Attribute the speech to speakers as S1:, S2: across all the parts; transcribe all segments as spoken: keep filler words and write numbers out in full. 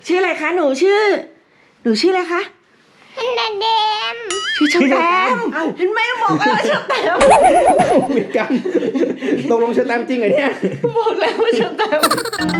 S1: ชื่ออะไรคะหนูชื่อหนูชื่ออะไรคะ
S2: เดเดม
S1: ชื่อเชอแตมเห็นไหมบอกแล้วว่าเชอแตม
S3: เหมือนกันตกลงเชอแตมจริงเหรอเนี่ย
S1: บอกแล้วว่าเชอแตม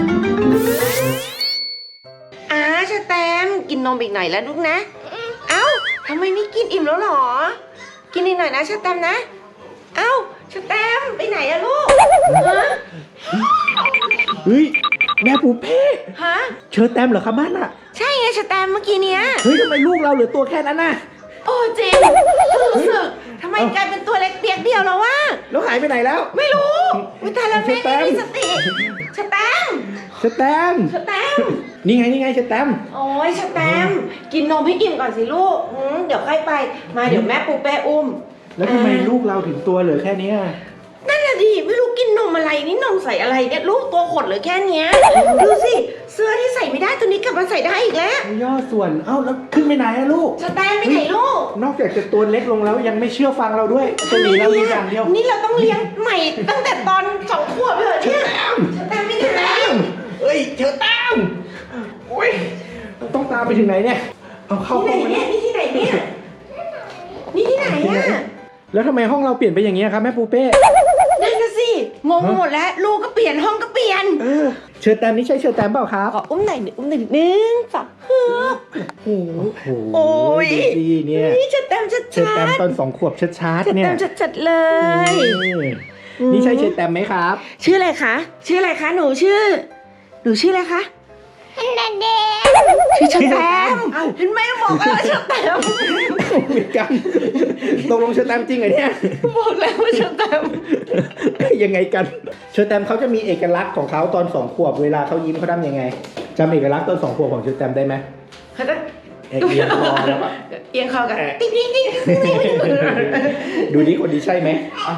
S1: อ่าเชอแตมกินนมอีกหน่อยแล้วลูกนะเอ้าทำไมไม่กินอิ่มแล้วหรอกินอีกหน่อยนะเชอแตมนะเอ้าเชอแตมไปไหนอะลูกฮะ
S3: เฮ้ยแม่ปูเป้
S1: ฮะ
S3: เชอแตมเหรอครับบ้านอะ
S1: ใช่ไงเชอแตมเมื่อกี้เนี้ย
S3: เฮ้ยทำไมลูกเราเหลือตัวแค่นั้นน่ะ
S1: โอ้จริงรู้สึกทำไมกลายเป็นตัวเล็กเปียกเดียวแล้ววะ
S3: แล้วหายไปไหนแล้ว
S1: ไม่รู้วิตาลาเม่ไม่มีสติเชอแตม
S3: เชอแตม
S1: เชอแตม
S3: นี่ไงนี่ไงเชอแตม
S1: โอ้ยเชอแตมกินนมให้อิ่มก่อนสิลูกเดี๋ยวค่อยไปมาเดี๋ยวแม่ปูเป้อุ้ม
S3: แล้วทำไมลูกเราถึงตัวเหลือแค่นี้
S1: นั่นแหละดิไม่รู้กินนมอะไรนี่นมใส่อะไรเนี่ยลูกตัวขดเหลือแค่เนี้ยดูสิเสื้อที่ใส่ไม่ได้ตัวนี้กลับมาใส่ได้อีกแล้ว
S3: ย่อส่วนเอ้าแล้วขึ้นไปไหนอะลูก
S1: เชอแตมไปไหนลูก
S3: นอกจากจะตัวเล็กลงแล้วยังไม่เชื่อฟังเราด้วยจะหนีเราอย่างเดียว
S1: นี่เราต้องเลี้ยงใหม่ตั้งแต่ตอนสองขวบเลยเนี่ยเชอแตมไปไหน
S3: เฮ้ยเชอแตมโอ้ยต้องตามไปถึงไหนเนี่ยเอาเข้าห้องไป
S1: เนี่ยนี่ที่ไหนเนี่ยนี่ที่ไหนอะ
S3: แล้วทำไมห้องเราเปลี่ยนไปอย่างนี้ครับแม่ปูเป้
S1: นั่นน่ะสิงงหมดแล้วลูกก็เปลี่ยนห้องก็เปลี่ยน
S3: เออเชอแตมนี่ใช่เชอแตมเปล่าครับ
S1: ขออุ้มหน่อยอุ้มหนึ่งหนึ่งสองฮึบโอ้โหโอ้ย
S3: ดีเนี่ย
S1: นี่เชอแตมชัด
S3: เชอแตมตอนสองขวบชัดๆเนี่ย
S1: เชอแตมชัดๆเลย
S3: นี่ใช่เชอแตมไหมครับ
S1: ชื่ออะไรคะชื่ออะไรคะหนูชื่อหนูชื่ออะไรคะ
S2: เดเด
S1: มชื่อเชอแตมเห็นไหมบอกแล้วว่าเชอแตม
S3: เหมือนกันตกลงเชอแตมจริงเหรอเนี่ย
S1: บอกแล้วว่าเชอแตม
S3: ยังไงกันเชอแตมเขาจะมีเอกลักษณ์ของเขาตอนสองขวบเวลาเขายิ้มเขาทำยังไงจำเอกลักษณ์ตอนสองขวบของเชอแตมได้ไหม
S1: เขาจะ
S3: เอียงคอแล้วปะ
S1: เอียงคอกันติ๊งติ๊งติ๊ง
S3: ดูดิคนนี้ใช่ไหม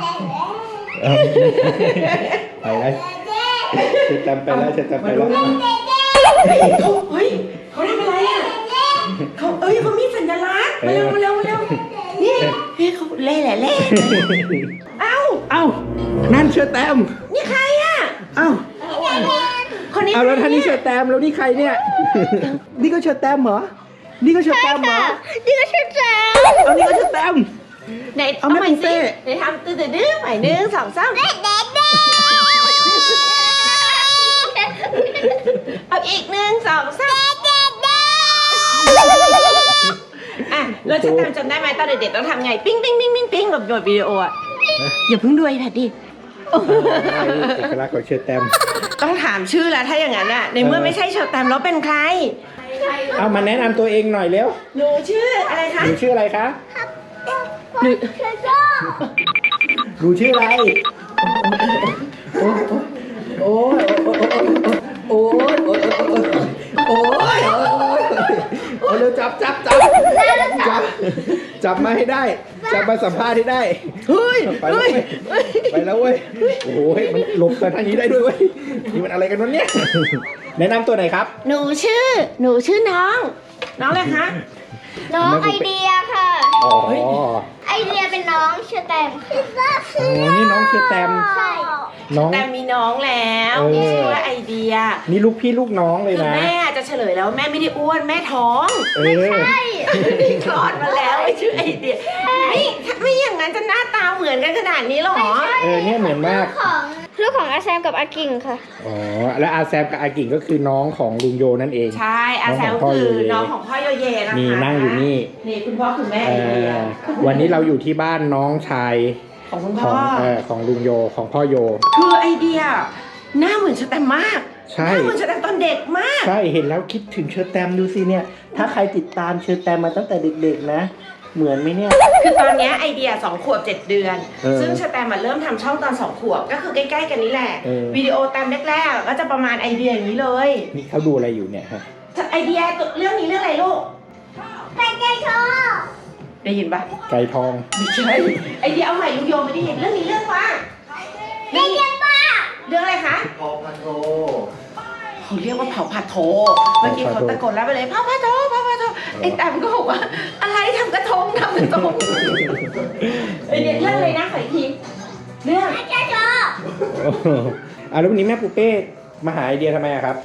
S3: ไปแล้วเชอแตมไปแล้วเชอแตมไปแล้ว
S1: เฮ้ยเขาทำอะไรอ่ะเขาเอ้ยเขามีสัญลักษณ์มาเร็วมาเร็วมาเร็วนี่เฮ้ยเขาเล่แหละเล่เอ้า
S3: เอ้านั่นเชอแตม
S1: นี่ใครอ่ะ
S3: เอ้า
S1: คนนี้
S3: เอาแล้วท่านนี้เชอแตมแล้วนี่ใครเนี่ยนี่ก็เชอแตมเหรอนี่ก็เชอแตมเหรอ
S2: นี่ก็เชอแตม
S3: เอานี่ก็เชอแตม
S1: ไหนเอาใหม่สิไหนทำตื่นตื่นดื้อใหม่หนึ่งสองสาม
S2: เด็กเด็กเด็ก
S1: เอาอีกหนึ่งสองสามอ่ะเราจะจำได้ไหมตอนเด็กๆต้องทำไงปิ้งปิ้งปิ้งปิ้งปิ้งแบบโยนวิดีโออ่ะอย่าเพิ่งดูไอ้แพดดิ
S3: เอกลักษณ์ของเชอแตม
S1: ต้องถามชื่อแล้วถ้าอย่างนั้นอ่ะในเมื่อไม่ใช่เชอแตมแล้วเป็นใคร
S3: เอามาแนะนำตัวเองหน่อยเร็ว
S1: หนูชื่ออะไรคะ
S3: หนูชื่ออะไรคะ
S2: หนู
S3: หนูชื่ออะไรโอ้ยโอ้ยโอ้ยโอ้ยโอ้ยเร็วจับจับจับจับจับมาให้ได้จับมาสัมภาษณ์ให้ได้
S1: เฮ้ย
S3: ไปแล้วไปแล้วเว้ยโอ้ยมันหลบกันทางนี้ได้ด้วยเว้ยนี่มันอะไรกันวะเนี่ยแนะนำตัวไหนครับ
S1: หนูชื่อหนูชื่อน้องน้องอะไรคะ
S2: น้องไอเดียค่ะ
S3: อ๋อ
S2: ไอเดียเป็นน้องเชอแตม
S3: โอ้นี่น้องเชอแตม
S2: ใช่
S3: น้อง
S1: แต่มีน้องแล้วชื่อว่าไอเดีย
S3: นี่ลูกพี่ลูกน้องเลยนะ
S1: แม่จะเฉลยแล้วแม่ไม่ได้อ้วนแม่ท้อง
S2: ไม่ใช่
S1: คลอดมาแล้วชื่อไอเดียไม่ไม่อย่างนั้นจะหน้าตาเหมือนกันขนาดนี้หรอ
S3: เออเนี่ยเหมือนมาก
S2: ลูกของอาแซมกับอากิ่งค่ะ
S3: อ๋อแล้วอาแซมกับอากิ่งก็คือน้องของลุงโยนั่นเอง
S1: ใช่อาแซมคือน้องของพ่อโยเยนะคะ
S3: นี่นั่งอยู่นี่
S1: นี่คุณพ่อคุณแม่ไอเดีย
S3: วันนี้เราอยู่ที่บ้านน้องชาย
S1: ของคุณพ่อ
S3: ของลุงโยของพ่อโย
S1: คือไอเดียหน้าเหมือนเชอแตมมาก
S3: ใช่
S1: หน้าเหมือนเชอแตมตอนเด็กมาก
S3: ใช่เห็นแล้วคิดถึงเชอแตมดูสิเนี่ยถ้าใครติดตามเชอแตมมาตั้งแต่เด็กๆนะเหมือนไหมเนี่ย
S1: คือตอนนี้ไอเดียสองขวบเจ็ดเดือนซึ่งเชอแตมมาเริ่มทำช่องตอนสองขวบก็คือใกล้ๆกันนี้แหละวิดีโอตามแรกๆก็จะประมาณไอเดียอย่างนี้เลย
S3: นี่เขาดูอะไรอยู่เนี่ยฮะ
S1: ไอเดียเรื่องนี้เรื่องอะไรลูก
S2: ไก่ไก่ทอง
S1: ได้ยินปะ
S3: ไก่ทอง
S1: ไม่ใช่ไอเดียเอาใหม่ลุงโยไม่ได้ยินเรื่องนี้เรื่องว่า
S2: เรื่องยังป้า
S1: เรื่องอะไรคะ
S3: เผาผัดโถ
S1: เขาเรียกว่าเผาผัดโถเมื่อกี้เขาตะโกนแล้วไปเลยเผาผัดโถเผาผัดโถไอ้แต้มก็บอกว่าอะไรทำกระทงทำกระทงไอเดียเรื่องอะไรนะขออีกทีเรื่อง
S2: ไก่ทอง
S3: อ่ะแล้ววันนี้แม่ปูเป้มาหาไอเดียทำไมอะครับ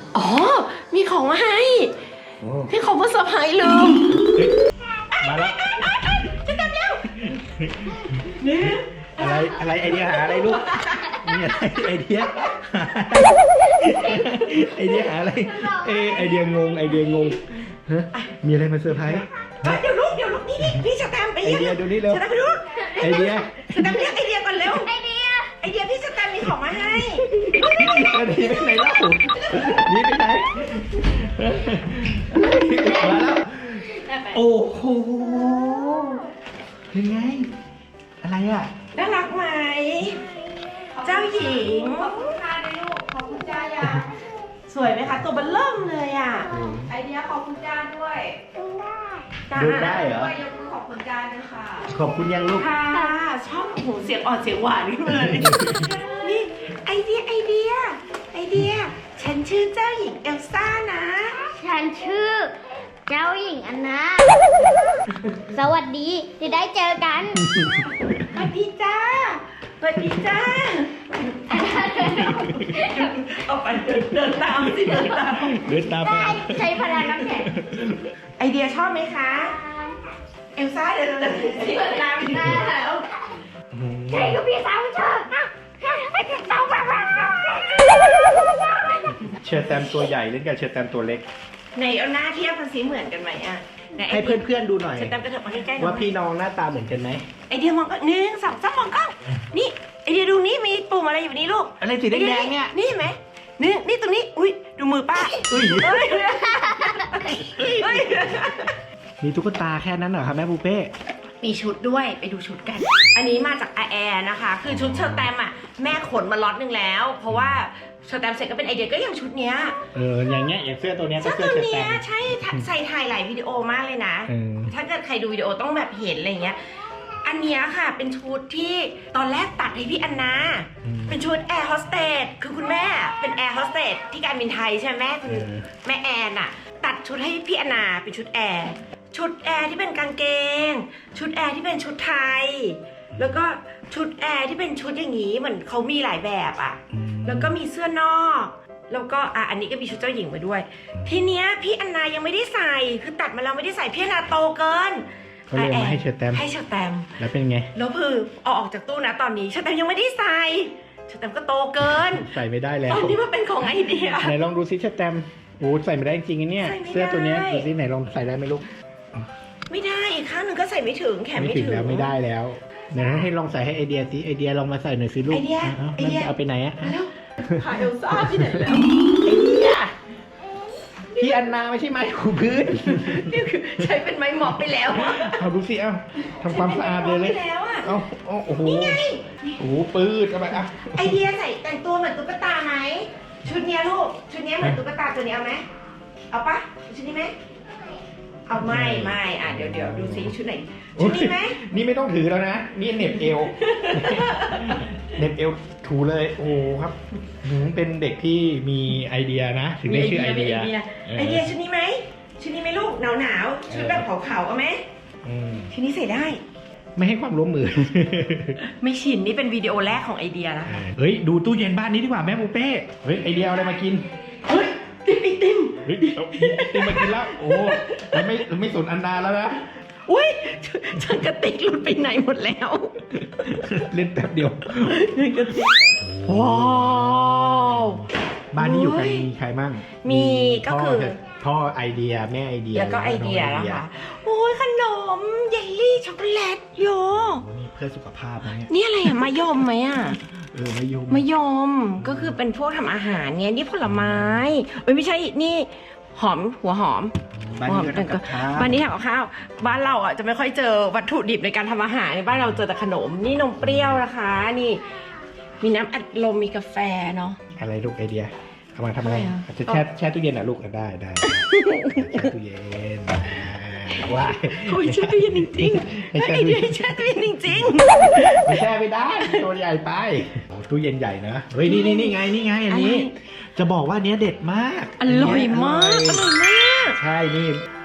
S1: อ๋อ มีของมาให้
S3: โอ้
S1: พี่ของมาเซอร์ไพรส์ลืม
S3: มาแล้ว
S1: จะทำแล้วนี่
S3: อะไรอะไรไอเดียหาอะไรลูกนี่อะไรไอเดียหาไอเดียหาอะไรเออไอเดียงงไอเดียงงฮะมีอะไรมาเซอร์ไพรส์
S1: เดี๋ยวลูกเดี๋ยวลูกนี่นี่พี่สแตมป์ไป
S3: ไอ
S1: เรียก
S3: เดียดูนี่เร็ว
S1: สแตมป์ไปดู
S3: ไอเดีย
S1: สแตมป์เรียกไอเดียก่อนเร็ว
S2: ไอเดีย
S1: ไอเดียพี่สแตมป์มีของมาให้
S3: ไอเดียไปไหนเล่าหนี่ไปไหนมาแล้วโอ้โหเป็นไงอะไรอ่ะ
S1: น่ารักไหมเจ้าหญิง
S4: ขอบคุณค่ะในลูกขอบคุณจ้ายัง
S1: สวยไหมคะตัวเบันเริ่มเลยอ่ะ
S4: ไอเดียขอบคุณจ้าด้วย
S1: จ้า
S3: ดูได้เหรอ
S4: ด้วยยกมือขอบคุณจ้าด้วยค่ะ
S3: ขอบคุณยังลูก
S1: ค่ะชอบโอ้โหเสียงอ่อนเสียงหวานขึ้นมาเลยนี่ไอเดียไอเดีย ไอเดีย ฉันชื่อเจ้าหญิงเอลซ่านะ
S2: ฉันชื่อ เจ้าหญิงอันนาสวัสดีที่ได้เจอกัน
S1: สวัสดีจ้าสวัสดีจ้าเอาไปเดินเดินตามสิเดินตาม
S3: เดินตามไป
S2: ได้ใช้พลังน้ำแข็ง
S1: ไอเดียชอบไหมคะ เอลซ่าเดินเดินสิเดินตามได้แล้ว
S2: ใช่กับพี่สาวเธอให้พี่สาวแบบ
S3: เชอร์แตมตัวใหญ่เล่นกับเชอร์แตมตัวเล็ก
S1: ในเอาหน้าเทียบกันสิเหมือนกันไหมอ่ะไหนไอ
S3: ให้
S1: เดีย
S3: เพื่อนๆดูหน่อย
S1: ฉันตามกระเถิบมาใกล้ๆหน่อย
S3: ว่าพี่น้องหน้าตาเหมือนกันไหม
S1: ไอเดียมองก็หนึ่งสองสามมองกล้องนี่ไอเดียดูนี่มีปุ่มอะไรอยู่นี่ลูก
S3: อะไรสีแดงๆเนี่ย
S1: นี่เห็นไหมนี่นี่ตรงนี้อุ้ยดูมือป้า
S3: อุ้ย
S1: เฮ้ยเฮ้ย
S3: มีตุ๊กตาแค่นั้นเหรอครับแม่ปูเป้
S1: มีชุดด้วยไปดูชุดกัน อันนี้มาจากอาแอร์นะคะ คือชุดเชอร์แตมอ่ะแม่ขนมาล็อตหนึ่งแล้ว เพราะว่าเชอร์แตมเสร็จก็เป็นไอเดียก็อย่างชุดเนี้ย
S3: เอออย่างเงี้ยอย่างเสื้อตัวเนี้ยก็
S1: เสื้อ
S3: เสื้อ
S1: ตัว
S3: เชอร์แต
S1: เนี้ย
S3: ม
S1: ใช่ใส่ถ่ายหลายวิดีโอมากเลยนะ
S3: เออ
S1: ถ้าเกิดใครดูวิดีโอต้องแบบเห็นอะไรเงี้ย อันเนี้ยค่ะเป็นชุดที่ตอนแรกตัดให้พี่อันนา เป็นชุดแอร์โฮสเตส คือคุณแม่เป็นแอร์โฮสเตสที่การบินไทยใช่ไหมแม่คุณแม่แอนอะตัดชุดให้พี่อันนาเป็นชุดแอร์ ชุดแอร์ที่เป็นกางเกง ชุดแอร์ที่เป็นชุดไทย แล้วก็ชุดแอร์ที่เป็นชุดอย่างนี้เหมือนเขามีหลายแบบอะ แล้วก็มีเสื้อนอก แล้วก็อ่ะอันนี้ก็มีชุดเจ้าหญิงมาด้วย ทีเนี้ยพี่อันนายังไม่ได้ใส่ คือตัดมาแล้วไม่ได้ใส่พี่อันนาโตเกิน
S3: ก็เลยเอามาให้เชอร์แตม
S1: ให้เชอร์แตม
S3: แล้วเป็นไง
S1: แล้วคือเอาออกจากตู้นะตอนนี้เชอร์แตมยังไม่ได้ใส่เชอร์แตมก็โตเกิน
S3: ใส่ไม่ได้แล้ว
S1: ตอนนี้มันเป็นของไอเดีย
S3: ไหนลองดูซิเชอร์แตมโอ้ใส่ไม่ได้จริงๆนะเนี่ย
S1: ใส่ไม่ได้
S3: เสื้อตัวเนี้ยดูซิไหนลองใส่ได้ไหมลูก
S1: ไม่ได้อีกข้างหนึ่งก็ใส่ไม่ถึงแขน
S3: ไม่
S1: ไม่
S3: ถึ
S1: ถึ
S3: ง
S1: ง
S3: แล้วไม่ได้แล้วเดี๋ยวให้ลองใส่ให้ไอเดียสิไอเดียลองมาใส่หน่อยสิลูก
S1: ไอเดีย
S3: า
S1: ไอเดีย
S3: เอาไปไหนอะ
S1: แล้วหาเอลซ่าที่ไหนแล้ว
S3: ไอเดียพี่อันนาไม่ใช่ไม้ถูพื้น
S1: นี่คือใช้เป็นไม้หมอบไปแล้วอะ
S3: เอาดูสิเอาทำความสะอาดเลยเลย
S1: ใช้เป็นไม้หมอบไปแล้วอะ
S3: เอาเอาโอ้โห
S1: นี่ไง
S3: โอ้โหปืดเข้าไปอ่ะ
S1: ไอเดียใส่แต่งตัวเหมือนตุ๊กตาไหมชุดเนี้ยลูกชุดเนี้ยเหมือนตุ๊กตาตัวนี้เอาไหมเอาปะชุดนี้ไหมเอาไม่ไม่อ่ะเดี๋ยวเดี๋ยวดูซิชุดไหนชุดนี้ไหม
S3: นี่ไม่ต้องถือแล้วนะ นี่เหน็บเอว เหน็บเอวถูเลยโอ้โหครับหืมเป็นเด็กที่มีไอเดียนะ ถึงได้ชื่อไอเดีย
S1: มีไอเดียชุดนี้ไหมชุดนี้ไหมลูกหนาวหนาวๆชุดแบบขาวๆเอาไหม
S3: อืม
S1: ชุดนี้ใส่ได้
S3: ไม่ให้ความร่วมมือ
S1: ไม่ชินนี่เป็นวิดีโอแรกของไอเดียนะ
S3: เฮ้ยดูตู้เย็นบ้านนี้ดีกว่าแม่ปูเป้เฮ้ยไอเดียเอาอะไรมากิน
S1: เฮ้ยติมไอติม
S3: เฮ้ยเอาไอติมมากินแล้วโอ้เราไม่เราไม่สนอันดาแล้วนะ
S1: อุ้ยฉันกระติกหลุดไปไหนหมดแล้ว
S3: เล่นแป๊บเดียว
S1: ฉันกระติกว้าว
S3: บ้านนี้อยู่กัน
S1: โอ้ย
S3: มีใครมั่ง
S1: มีก็คือ
S3: พ่พ่อไอเดียแม่ไอเดีย
S1: แล้วก็ไอเดีย
S3: น้ง
S1: นะคะโอ้ยขนมเยลลี่ช็อกโกแลตโย
S3: โอ้นี่เพื่อสุขภาพนะเนี่ย
S1: นี่อะไรอะมายมไหมอะ
S3: เออมะยม
S1: มายมก็คือเป็นพวกทำอาหารเนี่ยนี่ผลไม้เอ้ยไม่ใช่นี่หอมหัวหอม
S3: บ้านนี้ก็ทำกับข้าว
S1: บ้านนี้ทำกับข้าวบ้านเราอ่ะจะไม่ค่อยเจอวัตถุดิบในการทำอาหารในบ้านเราเจอแต่ขนมนี่นมเปรี้ยวนะคะนี่มีน้ำอัดลมมีกาแฟเนาะ
S3: อะไรลูกไอเดียเอามาทำอะไร
S1: อะไรอ่ะ
S3: อาจจะแช่แช่ตู้เย็นอ่ะลูกอ่ะได้ได้แช่ตู้เย็นอ่าว้าย
S1: โอ้ยแช่ตู้เย็นจริงๆ
S3: ไม่
S1: ไอ
S3: ใช่
S1: เดียแช่ตู้เย็นจริง
S3: ไม่แช่ไม่ได้ตัวใหญ่ไปโอ้ตู้เย็นใหญ่นะเฮ้ยนี่นี่นี่ไงนี่ไงอันนี้ จะบอกว่าอันเนี้ยเด็ดมาก
S1: ๆอร่อยมากอร่อยมาก
S3: ใช่นี่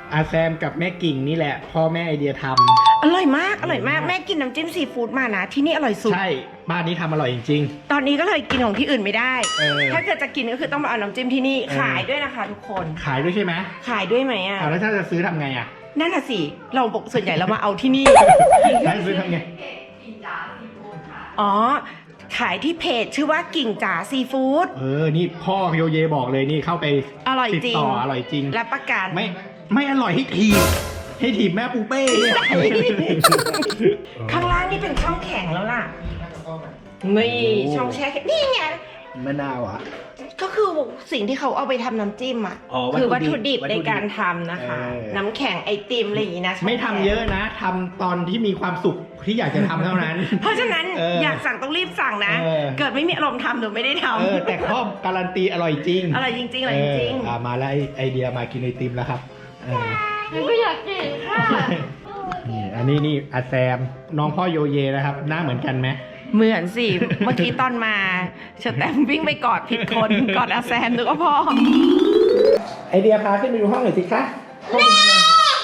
S3: อาแซมกับแม่กิ่งนี่แหละพ่อแม่ไอเดียทำ
S1: อร่อยมากอร่อยมากแม่กินน้ำจิ้มซีฟู้ดมานะที่นี่อร่อยสุด
S3: ใช่บ้านนี้ทำอร่อยจริง
S1: ตอนนี้ก็เลยกินของที่อื่นไม่ได้
S3: เออ
S1: ถ้าเกิดจะกินก็คือต้องมาเอาน้ำจิ้มที่นี่
S3: เออ
S1: ขายด้วยนะคะทุกคน
S3: ๆขายด้วยใช่ไหม
S1: ขายด้วยไหมอ่ะ
S3: อ้าวแล้วถ้าจะซื้อทำไงอ่ะ
S1: นั่นน่ะสิ เราบอกส่วนใหญ่เรามาเอาที่นี่
S3: ถ้าซื้อทำไง
S4: กินจ๋าซีฟู้ดค่ะ
S1: อ๋อ ขายที่เพจชื่อว่ากิ่งจ๋าซีฟู้ด
S3: เออนี่พ่อโยเยบอกเลยนี่เข้าไป
S1: อร่อย
S3: ติด
S1: จริง
S3: ต่ออร่อยจริง
S1: รับประกัน
S3: ไม่ไม่อร่อยให้ถีบให้ถีบแม่ปูเป้เนี่ย
S1: ข้างล่างนี่เป็นช่องแข็งแล้วล่ะ นี่ช่องแช่แข็งนี่ไง
S3: มะนาวอ่ะ
S1: ก็คือสิ่งที่เขาเอาไปทำน้ำจิ้มอ่ะ
S3: อ๋อวัตถุดิบ
S1: คือวัตถุดิบ
S3: วัตถุ
S1: ใน
S3: ดิบ
S1: การทำนะคะ
S3: เออ
S1: น้ำแข็งไอติมอะไรอย่างนี้นะ
S3: ไม่ทำเยอะนะทำตอนที่มีความสุขที่อยากจะทำเท่านั้น
S1: เพราะฉะนั้น
S3: เออ
S1: อยากสั่งต้องรีบสั่งนะ
S3: เออ
S1: เกิดไม่มีอารมณ์ทำหนูไม่ได้ทำ
S3: เออแต่ข้อการันตีอร่อยจริง
S1: อร่อยจริงๆอร่อยจริง
S3: เอออ่ะมาแล้วไอไอเดียมากินไอติมแล้วครับเออ
S2: หนูก็อยากกินค่ะ
S3: นี่อันนี้นี่อาแซมน้องพ่อโยเยนะครับหน้าเหมือนกันไหม
S1: เหมือนสิ เมื่อกี้ตอนมาเชอแตมวิ่งไปกอดผิดคนกอดอาแซมนึกว่าพ่อ
S3: ไอเดียพาขึ้นไปดูห้องหน่อยสิคะห้องเป็นยังไง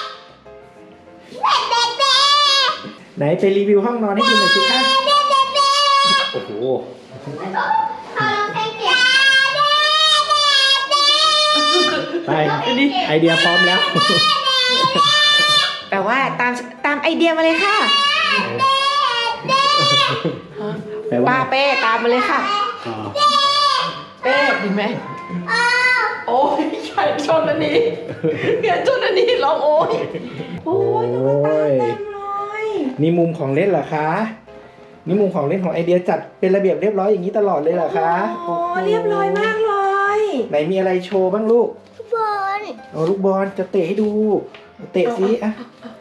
S3: ไหนไปรีวิวห้องนอนให้ดูหน่อยสิคะโอ้โหไปไอเดียพร้อมแล้ว
S1: แต่ว่าตามตามไอเดียมาเลยค่ะ
S3: แปลว่า
S1: ป้าเป้ตามมาเลยค่ะ
S3: อ๋อ
S1: เป้ดีไหมโอ้ยใช่ชนอันนี้เดี๋ยวชนอันนี้ร้องโอ้ยโอ้ยตุ๊กตาเต็มเลย
S3: นี่มุมของเล่นเหรอคะ นี่มุมของเล่นของไอเดียจัดเป็นระเบียบเรียบร้อยอย่างนี้ตลอดเลยเหรอคะ
S1: โอ้เรียบร้อยมากเลย
S3: ไหนมีอะไรโชว์บ้างลูก
S2: บอล
S3: เอาลูกบอลจะเตะให้ดู เตะสิอ่ะ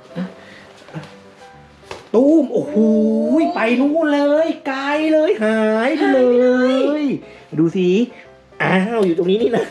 S3: ตูมโอ้โหไปนู่นเลยไกลเลยหายไปเลย ดูสิอ้าวอยู่ตรงนี้นี่นะ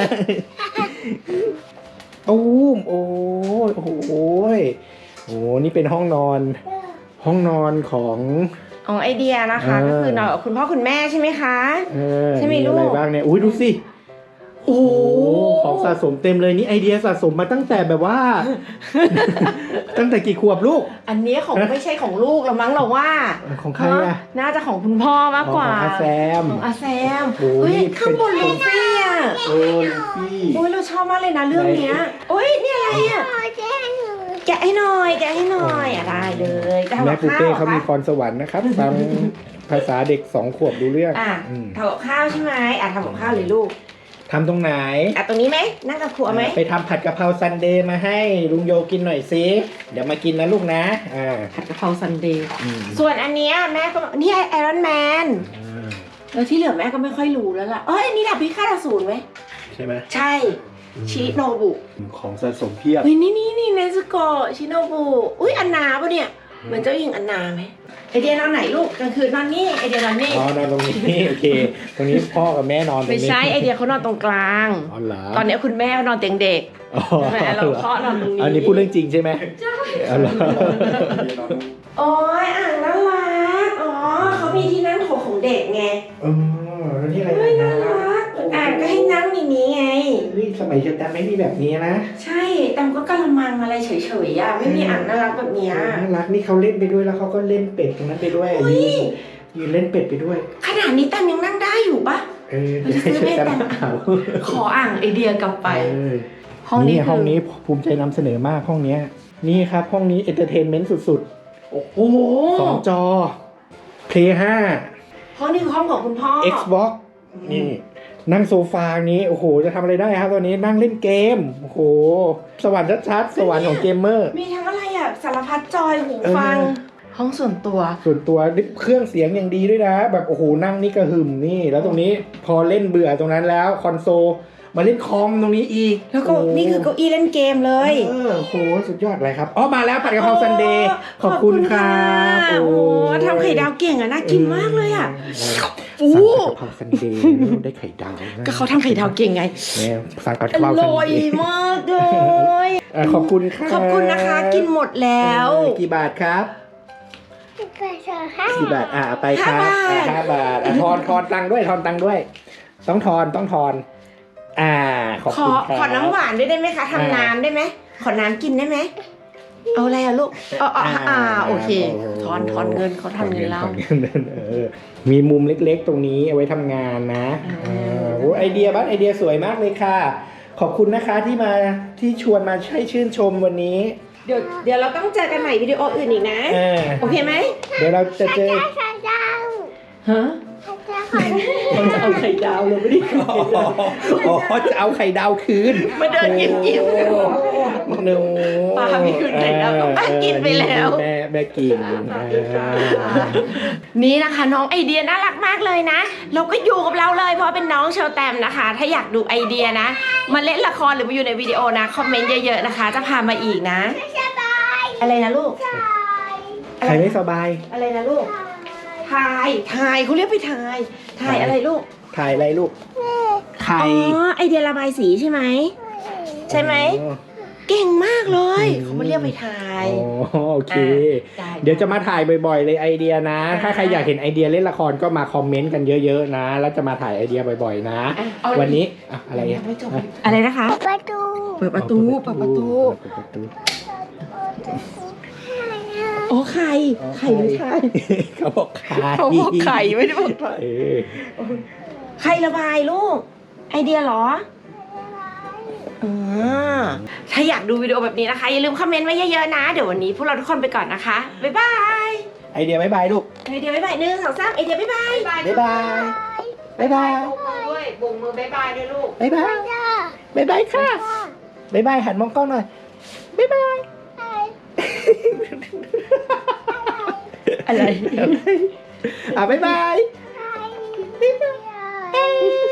S3: ตูมโอ้ยโอ้โหโอ้นี่เป็นห้องนอน ห้องนอนของ
S1: ของไอเดียนะคะ
S3: เออ
S1: ก็คือนอนกับคุณพ่อคุณแม่ใช่ไหมคะ
S3: เออ
S1: ใช่ไหมลูก
S3: อะไรบ้างเนี่ยอุ้ยดูสิ
S1: โอ้
S3: โอ้ของสะสมเต็มเลยนี่ไอเดียสะสมมาตั้งแต่แบบว่า ตั้งแต่กี่ขวบลูก
S1: อันนี้ของไม่ใช่ของลูกแล้วมั้งเราว่า
S3: ของใครอะ
S1: น่าจะของคุณพ่อมากกว่า
S3: ของอาแซม
S1: ของอาแซม
S3: โอ้ย
S1: เฮ้ย
S3: นี่
S1: ข้างบน
S3: เป็น
S1: ลูฟี่อ่ะ
S3: โอ้ลูฟี่
S1: โอ้ยเราชอบมากเลยนะเรื่องเนี้ยโอ้ยนี่อะไรอ่ะ
S2: พ่อแจ้งหนู
S1: แกะให้หน่อยแกะให้หน่อยอ่ะได้เลยจะทำ
S3: แม่
S1: กับ
S3: ปู
S1: ข้า
S3: เป้
S1: ว
S3: เขามีพรสวรรค์นะครับฟังภาษาเด็กสองขวบดูเรื่อง
S1: อ่ะ
S3: อืม
S1: ทำกับข้าวใช่ไหมอ่ะทำกับข้าวเลยลูก
S3: ทำตรงไหน
S1: อ่ะตรงนี้ไหมนั่งกับครัวไหม
S3: ไปทำผัดกะเพราซันเดย์มาให้ลุงโยกินหน่อยสิเดี๋ยวมากินนะลูกนะอ่า
S1: ผัดกะเพราซันเดย์
S3: อืม
S1: ส่วนอันเนี้ยแม่ก็บอกนี่ไอรอนแมน
S3: อ่า
S1: แล้วที่เหลือแม่ก็ไม่ค่อยรู้แล้วล่ะเอ้ยอันนี้ดาบพิฆาตอสูรไหม
S3: ใช่ไหม
S1: ใช่ชิโนบุ
S3: ของสะสมเพียบ
S1: เฮ้ยนี่นี่นี่เนซุโกะชิโนบุอุ้ยอันนาปะเนี่ยเหมือนเจ้าหญิงอันนาไหมไอเดียนอนไหนลูกกลางคืนนอนนี่ไอเดียนอนนี่
S3: อ๋อนอนตรงนี้โอเค ตรงนี้พ่อกับแม่นอนตรง
S1: ไม่
S3: นี้
S1: ใช่ไอเดียเขานอนตรงกลาง
S3: อ๋อเหรอ
S1: ตอนนี้คุณแม่นอนเตียงเด็ก
S3: อ๋อ
S1: ใช่ไหมเราเคาะนอนตรงนี้
S3: อันนี้พูดเรื่องจริงใช่ไหมใช่อ๋อเหรอ
S1: โอ้ยอ่างน่ารักอ๋อเขามีที่นั่งโถของเด็กไง
S3: เออแล้วนี่อะไร
S1: เฮ้ยน่ารักอ่างก็ให้นั่งในนี้ไง
S3: เฮ้ยสมัยเชอแตมไม่มีแบบนี้นะ
S1: ใช่แต่ก็กะละมังอะไรเฉยๆอ่ะไม่มีอ่างน่ารักแบบเนี้ย
S3: น่ารักนี่เขาเล่นไปด้วยแล้วเขาก็เล่นเป็ดตรงนั้นไปด้วย
S1: เฮ้ย
S3: ยืนยืนเล่นเป็ดไปด้วย
S1: ขนาดนี้แตมยังนั่งได้อยู่ปะ
S3: เออเดี๋ยวให้เชอแตมเอา
S1: ขออ่างไอเดียกลับไป
S3: เออ
S1: ห้องนี้
S3: นี่
S1: คือ
S3: ห้องนี้ภูมิใจนำเสนอมากห้องเนี้ยนี่ครับห้องนี้เอนเตอร์เทนเมนต์สุด
S1: โอ้โห
S3: ๆสองจอ เพลย์ห้า
S1: ห้องนี้คือห้องของคุณพ่อ
S3: Xbox นี่นั่งโซฟานี้โอ้โหจะทำอะไรได้ครับตอนนี้นั่งเล่นเกมโอ้โหสวรรค์ชัดๆสวรรค์ของเกมเมอร์
S1: มีทั้งอะไรอ่ะสารพัดจอยหูฟัง
S3: เออ
S1: ห้องส่วนตัว
S3: ส่วนตัวนี่เครื่องเสียงอย่างดีด้วยนะ แบบโอ้โหนั่งนี่กระหึ่มนี่ แล้วตรงนี้พอเล่นเบื่อตรงนั้นแล้วคอนโซลมาเล่นคอมตรงนี้อีก
S1: แล้วก็
S3: โโห
S1: นี่คือเก้าอี้เล่นเกมเลย
S3: เออโอ้โหสุดยอดเลยครับอ๋อมาแล้วผัดกะเพราซันเดย์ขอบคุณครับ
S1: โอ้โหทำไข่ดาวเก่งอ่ะน่ากินมากเลยอ่ะ
S3: สั่งผัดกะเพราซันเดย์ได้ไข่ดาวนะ
S1: ก็เขาทำไข่ดาวเก่งไง
S3: เนี่ยสั่งผัด
S1: อก
S3: ะเพราซัน
S1: ร่อย
S3: เดย์
S1: มากเลย
S3: อ่ะขอบคุณครับ
S1: ขอบคุณนะคะกินหมดแล้ว
S3: เออกี่บาทครับ
S2: ไปเถอะค่ะ
S3: กี่บาทอ่ะเอาไปครับ
S1: ห้าบาท
S3: อ่ะห้าบาทอ่ะทอนทอนตังค์ด้วยทอนตังค์ด้วย ต้องทอนต้องทอนอ่าขอบ
S1: ข
S3: คุ
S1: อ
S3: ณครับ
S1: ขอน้ำหวานด้วยได้ไหมคะทำน้ำได้ไหมขอน้ำกินได้ไหมเอาอะไรอะลูกอ๋ออ๋ออ่าโอเคทอนทอนเงินเขาทอนเงินเรา
S3: ถอนเงินเออมีมุมเล็กๆตรงนี้เอาไว้ทำงานนะ
S1: อ่า
S3: เออโอ้ไอเดียบ้านไอเดียสวยมากเลยค่ะ ขอบคุณนะคะที่มาที่ชวนมาให้ชื่นชมวันนี้
S1: เดี๋ยวเดี๋ยวเราต้องเจอกันใหม่วิดีโออื่นอีกนะ
S3: เออ
S1: โอเคไหม
S3: เดี๋ยวเราจะเจอ
S2: ไข่ดาว
S1: ฮะ
S2: ไข่ดาว
S1: เขาจะเอาไข่ดาวเราไม่ได้กิน
S3: อ๋อจะเอาไข่ดาวคืน
S1: มาเดินกินกิน
S3: หนู
S1: ป้าไม่คืนไข่ดาวก็ป้ากินไปแล้ว
S3: แม่แม่กินเออ
S1: นี่นะคะน้องไอเดียน่ารักมากเลยนะ เราก็อยู่กับเราเลยเพราะเป็นน้องเชลแตมนะคะ ถ้าอยากดูไอเดียนะ มาเล่นละครหรือมาอยู่ในวิดีโอนะคอมเมนต์เยอะๆนะคะ จะพามาอีกนะ
S2: สบาย
S1: อะไรนะลูก
S3: ใครไม่สบาย
S1: อะไรนะลูกถ่ายถ่ายเขาเรียกไปถ่ายถ่ายอะไรลูก
S3: ถ่ายอะไรลูกไข่
S1: อ๋อไอเดียระบายสีใช่ไหมใช่ไหม
S3: อ๋อ
S1: เก่งมากเลยเขามาเรียกไปถ่าย
S3: อ๋อโอเค
S1: ได้
S3: เดี๋ยวจะมาถ่ายบ่อยๆเลยไอเดียนะ ถ้าใครอยากเห็นไอเดียเล่นละครก็มาคอมเมนต์กันเยอะๆนะ แล้วจะมาถ่ายไอเดียบ่อยๆนะ
S1: อ่ะเอา
S3: วันนี้อะอะไรอ่ะ
S1: ไม่จบอะไรนะคะ
S2: ประตู
S1: เปิดประตูเปิดประตู
S3: เปิดประตู
S1: โอ้ไข่ไข่หรือไข่
S3: เขาบอกไข่
S1: เขาบอกไข่ไม่ได้บอกไข่
S3: เออ
S1: ไข่ระบายลูก ไอเดียเหรออ่าถ้าอยากดูวิดีโอแบบนี้นะคะ อย่าลืมคอมเมนต์ไว้เยอะๆนะ เดี๋ยววันนี้พวกเราทุกคนไปก่อนนะคะ บ๊ายบาย
S3: ไอเดียบ๊ายบายลูก
S1: ไอเดียบ๊ายบายหนึ่งสองสามไอเดียบ๊ายบาย
S3: บ๊ายบายบ๊ายบาย
S4: บุกมือด้วยบุกมือบายบายด้วยลูก
S3: บ๊ายบายบ๊ายบายค่ะบ๊ายบายหันมองกล้องหน่อยบ๊ายบาย
S1: อะไร
S3: อ่ะบ๊ายบาย
S2: ไข่